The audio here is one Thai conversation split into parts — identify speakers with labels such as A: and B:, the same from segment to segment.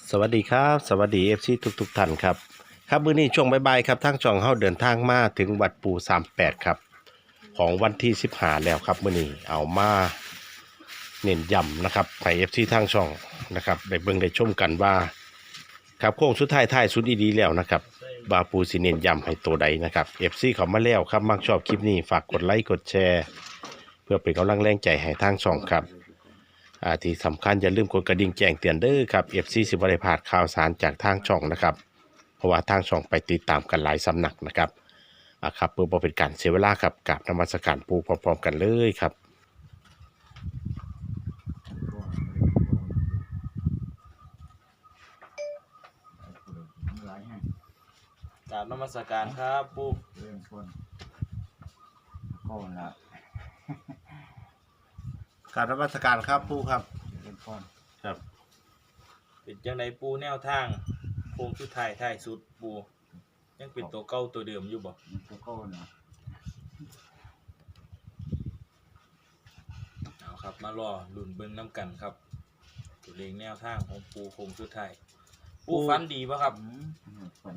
A: สวัสดีครับสวัสดีFC ทุกท่านครับครับมื้อนี้ช่วงบ่ายๆครับทางช่องเฮาเดินทางมาถึงวัดปู่38ครับของวันที่15แล้วครับมื้อนี้เอามาเน้นย้ำนะครับให้ FC ทางช่องนะครับได้เบิ่งได้ชมกันว่าครับโค้งสุดท้ายท้ายสุดดีๆแล้วนะครับบาปูสิเน้นย้ำให้ตัวใดนะครับ FC เขามาแล้วครับมักชอบคลิปนี้ฝากกดไลค์กดแชร์เพื่อเป็นกำลังแรงใจให้ทางช่องครับที่สำคัญอย่าลืมกดกระดิ่งแจ้งเตือนเด้อครับ FC สิบ่ได้พลาดข่าวสารจากทางช่องนะครับเพราะว่าทางช่องไปติดตามกันหลายสำนักนะครับครับเพื่อบ่เป็นการเสียเวลาครับกราบนมัสการปู่พร้อมๆกันเลยครับ
B: กราบนมัสการครับปู่
C: เรื่องคนก็ละ
A: กราบนมัสการครับปู่ครับ
C: เรื่องคน
A: ครับ
B: เป็นจังไดปู่แนวทางโค้งสุดท้ายท้ายสุดปู่ยังเป็นตัวเก่าตัวเดิมอยู่บ่
C: มันก็ละ
B: เอาครับมารอลุ้นเบิ่งน้ำกันครับตัวเลขแนวทางของปู่โค้งสุดท้ายปู่ฝันดีป่ะครับ
C: คน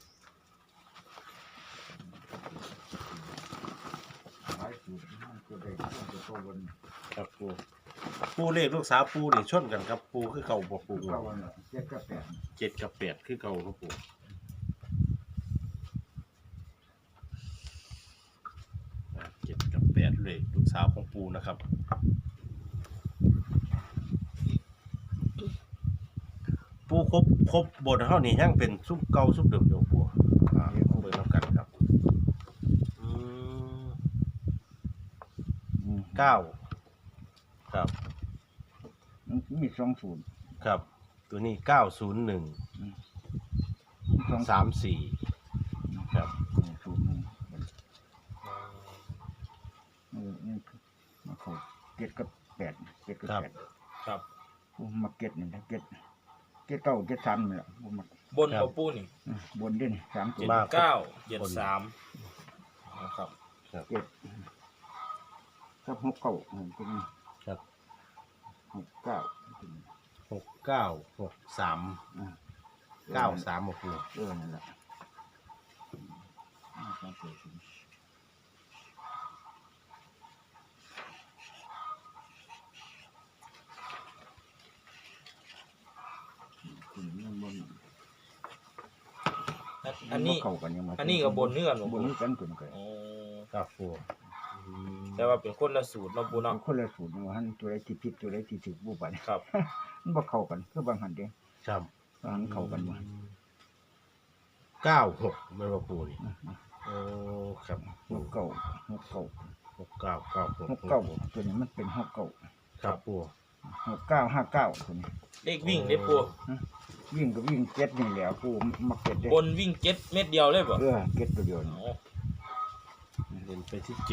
C: หลายจุดมันก็ได้ตัวโตบน
A: ครับปู่เลขลูกสาวปู่นี่ชนกันครับปู่คือเก่าบ่ปู่
C: ก็วันละ7 กับ
A: 7กับ8คือเก่าครับปู่7กับ8เลขลูกสาวของปู่นะครับปู่ครบบทเฮานี่ยังเป็นซุปเก่าซุปเดิมอยู่ปู่เบิ่งนำกันครับ9ครับ
C: มันมี20
A: ครับตัวนี้901 34ครับ
C: 01นี่มาเข้า7 กับ 8 7 กับ 8
B: ครับ
C: กูมาเก็ตนี่นะเก็ต9 7 3นี่แหละกูมา
B: บนกับปู่นี่
C: บนด้วยนี่3ตัว
B: 7973นะครับ
C: เก็ตกับ6 9ตัวนี้
A: ครับ
C: 6 9
A: 6963 93บ่ปู่
C: นั่นแหละ
B: อันนี้
C: เข้ากันยังไง
B: อันนี้กับบนเนื้อหลวง
C: บน
B: ปู่
C: นี้กันตัวกัน
B: อ๋อ
A: ครับปู่
B: แต่ว่าเป็นคนละสูตรเนาะปู่เนาะ
C: คนละสูตรว่าหันตัวใดที่ผิดตัวใดที่ถูกบ่บัด
B: ครับ
C: มันบ่เข้ากันคือบางหันเด้
A: ครับ
C: บางหันเข้ากันบ่
A: 96แม่นบ่ปู่นี่โอ้ครับ
C: 6 9 6 9
A: 6996
C: ตัวนี้มันเป็น6 9
A: ครับปู่
C: 6 9 5 9ตัวนี้
B: เลขวิ่งเด้ปู่
C: วิ่งก็วิ่ง7นี่แหละกูมักเก็ตเด้
B: บนวิ่ง7เม็ดเดียวเลยบ่
C: เก็ตตัวเดียวนี่
B: อ๋อ
A: เล่นไปที่7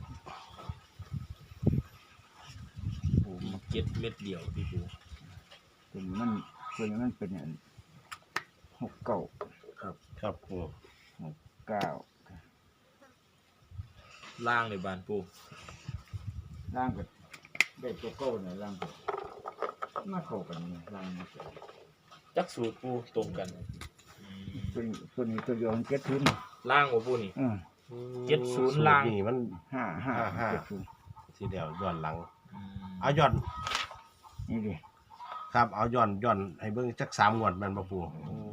B: ปู่มี7เม็ดเดียวพี่ปู่
C: ตัวนี้มันเป็นอัน6 9
A: ครับปู่
C: 9
B: ล่างในบ้านปู่
C: ล่างก็ได้ตัวเก้าเนี่ยล่างก็มาเข้ากันนี่ล่างนี่
B: จักสูตรปู่ตรงกัน
C: ตัวนี้ตัวเดียวมันเจ็ดทุน
B: ล่างบ่ปู่นี่ 70ล่าง
A: นี่มัน
C: 5 7ทุน
A: ทีเดียวย้อนหลังเอาย้อน
C: นี่ดิ
A: ครับเอาย้อนให้เบิ่งจัก3งวดแม่นบ่ปู่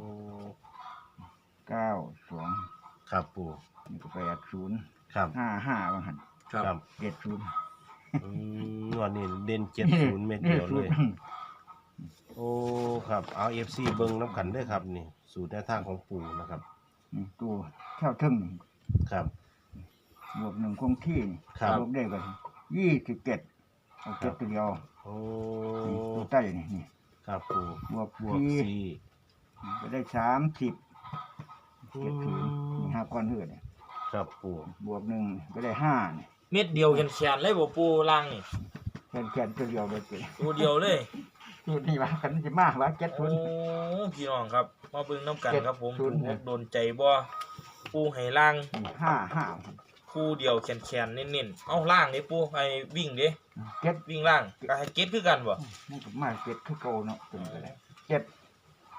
C: 9 2
A: ครับปู่
C: นี่ก็8 0
A: ครับ
C: 5 5ว่าหั่น
B: ครับ
C: 7 0
A: งวดนี้เด่น70เม็ดเดียวเลย โอ้ครับเอา FC เบิ่งน้ำกันเด้อครับนี่สูตรแนวทางของปู่นะครับ
C: นี่ตัวเท่าทึ่งนี่
A: ครับ
C: บวก1คงที่นี่
A: ครับ
C: บวกได้กัน27เอาเจ็ดตัวเดียว
A: โอ้
C: นี่ตัวใต้นี่
A: ครับปู่
C: บวก
A: บวก
C: 4ก็ได้30 7 0นี่5ก้อนเฮือนี่
A: 4ครับปู่
C: บวก1ก็ได้5นี่
B: เม็ดเดียวแขนๆเลยบ่ปู่ล่างนี่
C: แขนตัวเดียวเลยเจ้
B: ตัวเดียวเลย
C: ตัวนี้ว่ากันสิมากว่า7
B: โอ้
C: 0
B: พี่น้องครับมาเบิ่งน้ำกันครับผม
C: ศูนย์
B: ถูกโดนใจบ่ปู่ให้ล่าง
C: 5
B: คู่เดียวแขนๆเน้นๆเอาล่างนี่ปู่ให้วิ่งเด้
C: 5 7
B: วิ่งล่างก็ให้เก็ตคือกันบ่
C: มันก็มา7คือเก่าเนาะตัวนี้ก็ได้7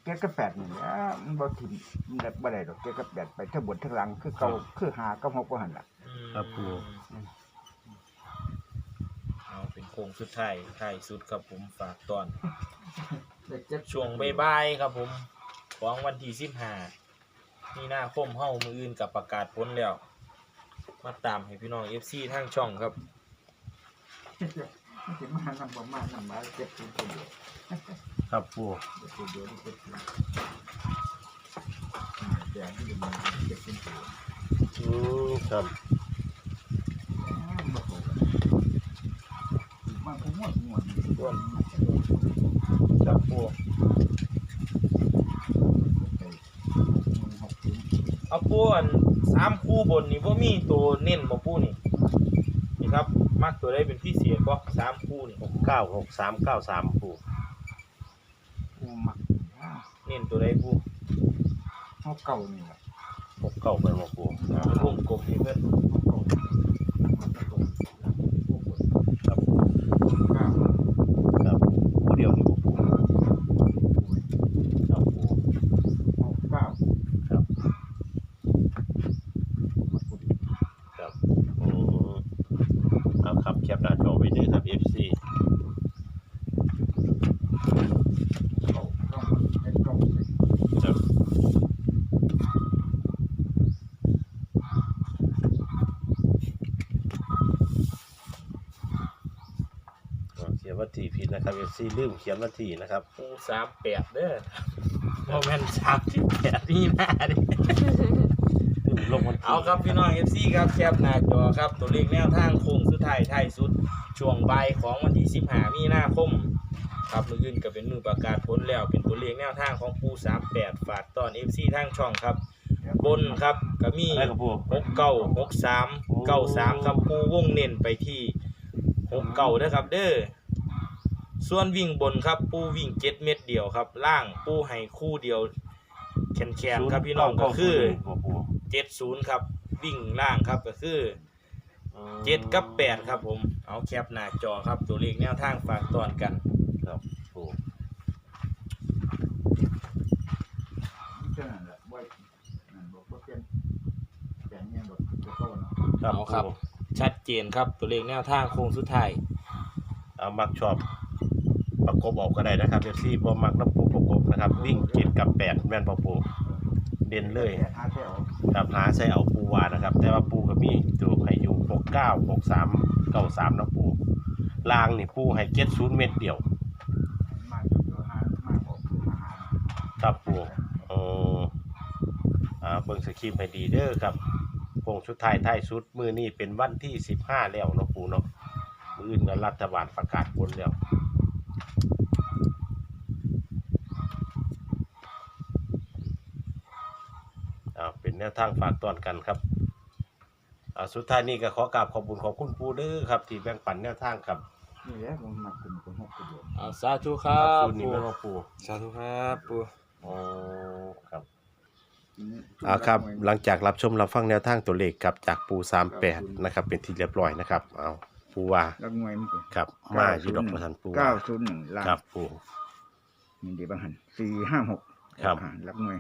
C: เจ็ดกับแปดนี่แหละมันบ่ถิ่มมันบ่ได้ดอกเจ็ดกับแปดไปทั้งบนทั้งหลังคือเก่าคือหากับหกบ่หั่นล่ะ
A: ครับปู
B: เอาเป็นโค้งสุดท้ายท้ายสุดครับผมฝากตอน
C: ได้เจ็ด
B: ช่วงบ่ายๆครับผมของวันที่15มีนาคมเฮามื้ออื่นกับประกาศผลแล้ว มาตามให้พี่น้อง FC ทางช่องครับ
C: มันสิมานำบ่มานำมาเจ็ดตัวเดียว
A: ครับปู
C: ตัวเดียวนี่เจ็ดตัวแดงที่มันเจ็ดตัว
A: ครับ
C: บ่ถูกมันคงม่วนตัว
B: ครับปู เอาปูอัน3คู่บนนี่บ่มีตัวเน้นบ่ปูนี่นี่ครับมักตัวใดเป็นพิเศษบ่3คู่นี่
A: 96393ปู
C: กูมัก
B: เน้นตัวใดปู
C: เฮาเก่านี่ล่ะ
A: 69ไปบ่ปู
B: เป็นวงกลมให้เพิ่น
A: ครับครับผู้เดียวนี่บ่ปูครับปูครับครับเอาครับแคปหน้าจอไว้เด้อครับ FC ครับเขียนวันที่ผิดนะครับ FC ลืมเขียนวันที่นะครับ
B: ปู38เด้อบ่แม่น38นี่หน้าเด้
A: ลืมลงวันที่
B: เอาครับพี่น้อง FC ครับแคปหน้าจอครับตัวเลขแนวทางโค้งสุดท้ายท้ายสุดช่วงบ่ายของวันที่15มีนาคมครับมื้ออื่นก็เป็นมื้อประกาศผลแล้วเป็นตัวเลขแนวทางของปู38ฝากตอน FC ทางช่องครับบนครับก็มี
A: อะไรครับปู
B: 69 63 93ครับปูวงเน้นไปที่69เด้อครับเด้อส่วนวิ่งบนครับปูวิ่ง7เม็ดเดียวครับล่างปูให้คู่เดียวแขนๆครับพี่น้องก็คือ 70ครับวิ่งล่างครับก็คือ7กับ8ครับผมเอาแคปหน้าจอครับตัวเลขแนวทางฝากตอนกัน
A: ครับปู
B: เอาครับชัดเจนครับตัวเลขแนวทางโค้งสุดท้าย
A: เอามักชอบประกบออกก็ได้นะครับ FC บ่มักน้ำปูประกบนะครับวิ่ง7กับ8แม่นบ่ปูเด่นเลยครับหาใส่เอาปูวานะครับ แต่ว่าปูก็มีตัวให้อยู่69 63 93นะปูลางนี่ปูให้70เม็ดเดียวครับปูเบิ่งสคริปต์ให้ดีเด้อครับโค้งสุดท้ายท้ายสุดมื้อนี้เป็นวันที่15แล้วเนาะปูเนาะมื้ออื่นก็รัฐบาลประกาศผลแล้วเป็นแนวทางฝากตอนกันครับสุดท้ายนี้ก็ขอกราบขอบคุณขอบคุณปูเด้อครับที่แบ่งปันแนวทางครับ
C: นี่แหละผมมักเป็นคนหกตัวเดียว
B: เอาสาธุครับ
A: ปูนี่แม่นบ่ปู
B: สาธุครับปู
A: อ๋อครับครับหลังจากรับชมรับฟังแนวทางตัวเลขครับจากปู38นะครับเป็นที่เรียบร้อยนะครับเอาปูว่า
C: ลักงวยมัน
A: ครับมาอยู่ดอกประทันปูว่า
C: 901ล้าน
A: ครับปู
C: นี่ดีบางหัน456
A: ครับ
C: ลักงวย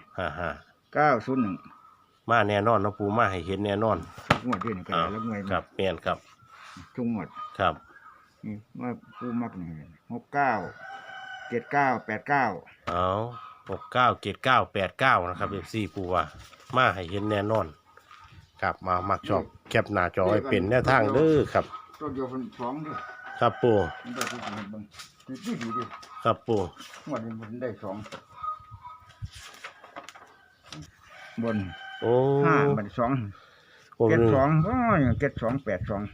A: 901มาแน่นอนเนาะปูมาให้เห็นแน่นอน
C: งวดเดียวนี่ก็ลักงวย
A: ครับแม่นครับ
C: ทุกงวด
A: ครับ
C: นี่ว่าผู้มักนี่69 79 89
A: เอา697989นะครับ FC ปูว่ามาให้เห็นแน่นอนครับมามักชอบแคปหน้าจอไว้เป็นแนวทางเด้อครับ
C: ตัวเดียวเป็น2ด้วย
A: ครับปู
C: มันได้ทุกอย่างเบิ่งดีดิ
A: ครับปู
C: งวดนี้มันได้2บน
A: โอ้
C: 5บัด2
A: ผม
C: เก็ด2อย่างเก็ด2 8 2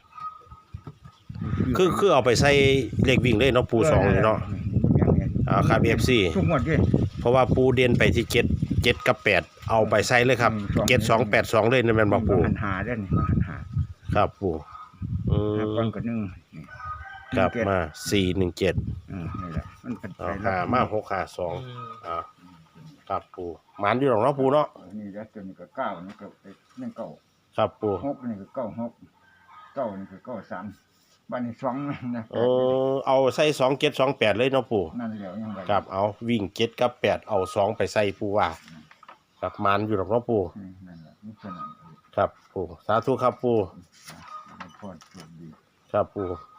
A: คือเอาไปใส่เลขวิ่งเลยเนาะปู2เลยเนาะครับ FC
C: ทุกงวดดิ
A: เพราะว่าปูเด่นไปที่7กับ8เอาไปใส่เลยครับ7282เลยนั่นแม่นบ่ปู
C: หันหาได้นี่มาหันหา
A: ครับปู
C: ก่อนก็1นี่
A: ครับมา417
C: นี่แหละมันเป็นไป
A: มา652ครับปูหมานอยู่หรอกเนาะปูเนาะ
C: นี่แล้วตัวนี้ก็9นี่ก็เป็น9
A: ครับปู
C: 6นี่ก็9 6 9นี่ก็9 3 บ้านนี้สองนั่นนะ
A: เอาใส่2728เลยเนาะปู่
C: นั่นแหละยังไง
A: ครับเอาวิ่ง7กับ8เอา2ไปใส่ปู่ว่าครับมันอยู่ดอกเนาะปู่
C: นั่นแหละนี่ขนาด
A: ครับปู่สาธุครับปู่
C: พอดดี
A: ครับปู่